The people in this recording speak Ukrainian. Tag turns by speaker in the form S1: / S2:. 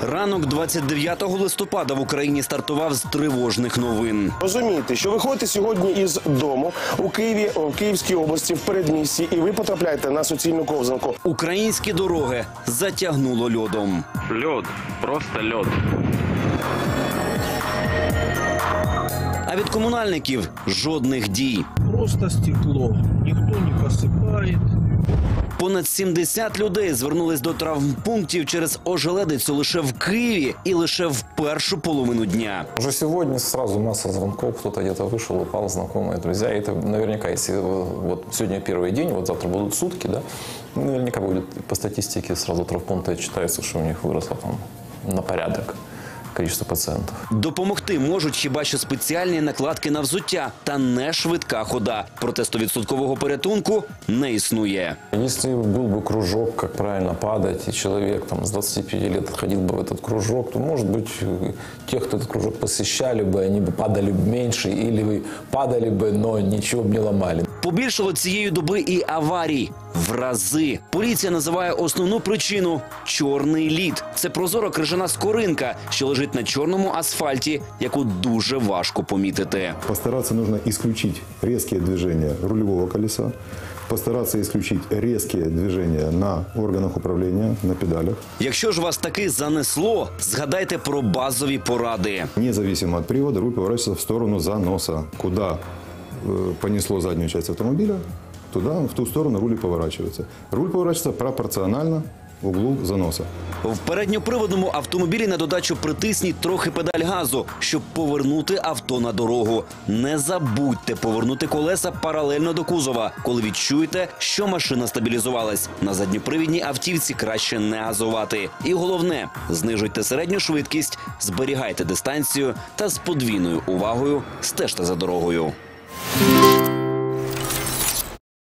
S1: Ранок 29 листопада в Україні стартував з тривожних новин.
S2: Розумієте, що ви ходите сьогодні із дому у Києві, у Київській області, в передмісті, і ви потрапляєте на суцільну ковзанку.
S1: Українські дороги затягнуло льодом.
S3: Лед, просто лед.
S1: А від комунальників жодних дій.
S4: Просто стекло. Никто не посыпает.
S1: Понад 70 людей звернулись до травмпунктів через ожеледицю лише в Києві і лише в першу половину дня.
S5: Уже сегодня сразу масса звонков, кто-то где-то вышел, упал, знакомые, друзья. И это наверняка, если вот сегодня первый день, вот завтра будут сутки, да, наверняка будет по статистике сразу травмпункты читается, что у них выросло там на порядок количество пациентов.
S1: Допомогти можуть хіба що спеціальні накладки на взуття та не швидка хода. Проте 100% порятунку не існує.
S5: Если был бы кружок, как правильно падать, и человек там, с 25 лет ходил бы в этот кружок, то, может быть, те, кто этот кружок посещали бы, они бы падали меньше, или падали бы, но ничего бы не ломали.
S1: Побільшало цієї доби і аварій. В рази. Поліція називає основну причину – чорний лід. Це прозора крижана скоринка, що лежить на чорному асфальті, яку дуже важко помітити.
S6: Постараться нужно исключить резкие движения рулевого колеса, постараться исключить резкие движения на органах управления, на педалях.
S1: Якщо ж вас таки занесло, згадайте про базові поради.
S6: Независимо от привода, руль поворачивается в сторону заноса. Куда понесло заднюю часть автомобиля, туда, в ту сторону руль и поворачивается. Руль поворачивается пропорционально углу заноса.
S1: В передньоприводному автомобілі на додачу притисніть трохи педаль газу, щоб повернути авто на дорогу. Не забудьте повернути колеса паралельно до кузова, коли відчуєте, що машина стабілізувалась. На задньопривідній автівці краще не газувати. І головне – знижуйте середню швидкість, зберігайте дистанцію та з подвійною увагою стежте за дорогою.